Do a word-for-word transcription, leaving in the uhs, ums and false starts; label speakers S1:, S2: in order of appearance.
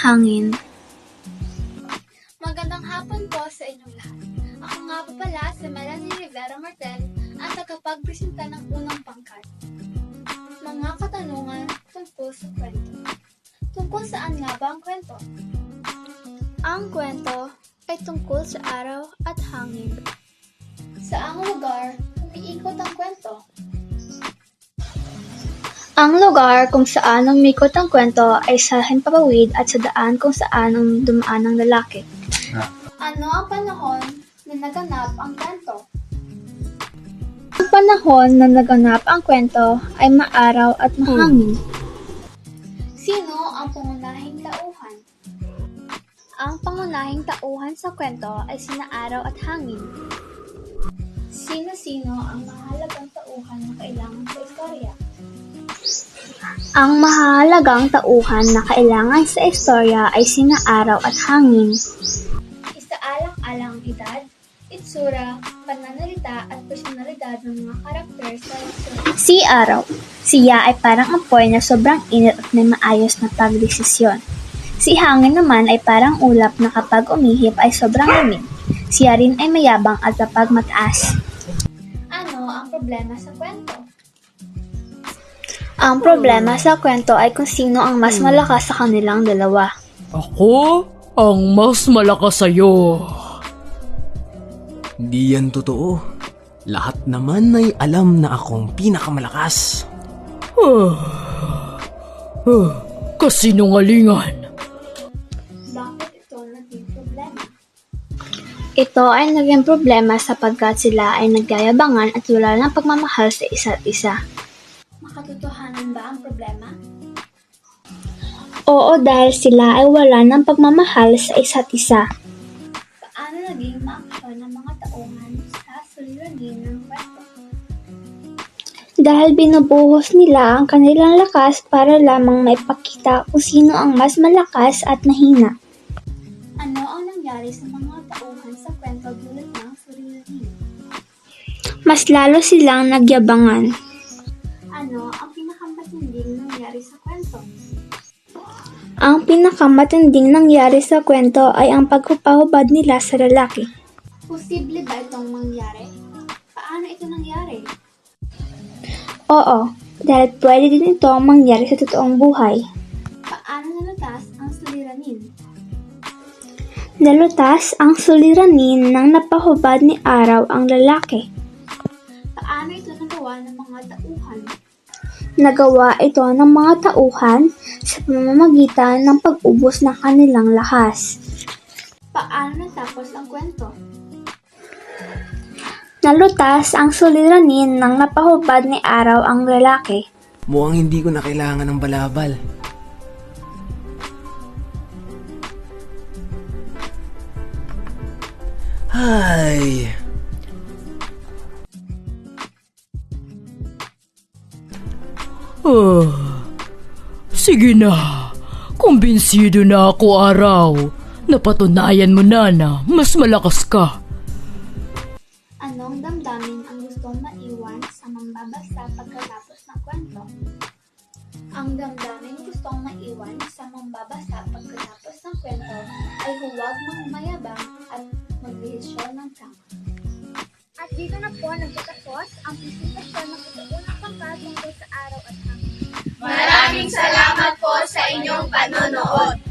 S1: hangin.
S2: Magandang hapon po sa inyong lahat. Ako nga po pala si Melanie Rivera Martel, ang tagapagpresenta ng unang pangkat. Mga katanungan tungkol sa kwento. Tungkol saan nga ba ang kwento?
S1: Ang kwento ay tungkol sa araw at hangin.
S2: Saang lugar umiikot ang kwento?
S1: Ang lugar kung saan umikot ang kwento ay sa himpapawid at sa daan kung saan ang dumaan ng lalaki.
S2: Ano ang panahon na naganap ang kwento?
S1: Ang panahon na naganap ang kwento ay maaraw at mahangin.
S2: Sino ang pangunahing tauhan?
S1: Ang pangunahing tauhan sa kwento ay sina araw at hangin.
S2: Sino-sino ang mahalagang tauhan na kailangan sa istorya?
S1: Ang mahalagang tauhan na kailangan sa istorya ay sina araw at hangin.
S2: Isaalang-alang edad, itsura, pananalita at personalidad ng mga karakter sa istorya.
S1: Si araw, siya ay parang apoy na sobrang init at may maayos na pagdesisyon. Si hangin naman ay parang ulap na kapag umihip ay sobrang lamig. Siya rin ay mayabang at kapag mataas.
S2: Ano ang problema sa kwento?
S1: Ang problema sa kwento ay kung sino ang mas malakas sa kanilang dalawa.
S3: Ako ang mas malakas sa'yo.
S4: Di yan totoo. Lahat naman ay alam na akong pinakamalakas.
S3: Huh. Huh. Kasinungalingan.
S2: Bakit ito naging problema?
S1: Ito ay naging problema sapagkat sila ay nagyayabangan at wala ng pagmamahal sa isa't isa.
S2: Makatotohanan ba ang problema?
S1: Oo, dahil sila ay wala ng pagmamahal sa isa't isa.
S2: Paano naging maaksyon ng mga tauhan sa suliranin ng kwento?
S1: Dahil binubuhos nila ang kanilang lakas para lamang maipakita kung sino ang mas malakas at mahina.
S2: Ano ang nangyari sa mga tauhan sa kwento dulot ng suliranin?
S1: Mas lalo silang nagyabangan.
S2: Ano ang pinakamatinding nangyari sa kwento?
S1: Ang pinakamatinding nangyari sa kwento ay ang pagpapahubad nila sa lalaki.
S2: Posible ba itong mangyari? Paano ito nangyari?
S1: Oo, dahil pwede din ito mangyari sa totoong buhay.
S2: Paano nalutas ang suliranin?
S1: Nalutas ang suliranin nang napahubad ni araw ang lalaki.
S2: Paano ito nagawa ng mga tauhan?
S1: Nagawa ito ng mga tauhan sa pamamagitan ng pag-ubos ng kanilang lakas.
S2: Paano natapos ang kwento?
S1: Nalutas ang suliranin nang napahubad ni araw ang lalaki.
S4: Mukhang hindi ko na kailangan ng balabal. Ay...
S3: Uh, sige na. Kumbinsido na ako, araw. Napatunayan mo na na mas malakas ka.
S2: Anong damdamin ang gustong maiwan sa mambabasa pagkatapos ng kwento? Ang damdamin gustong maiwan sa mambabasa pagkatapos ng kwento ay huwag magmayabang at magdesisyon ng tama. At dito na po nagtatapos ang presentasyon ng ito-unang pangkat tungkol sa araw at hangin.
S5: Maraming salamat po sa inyong panonood.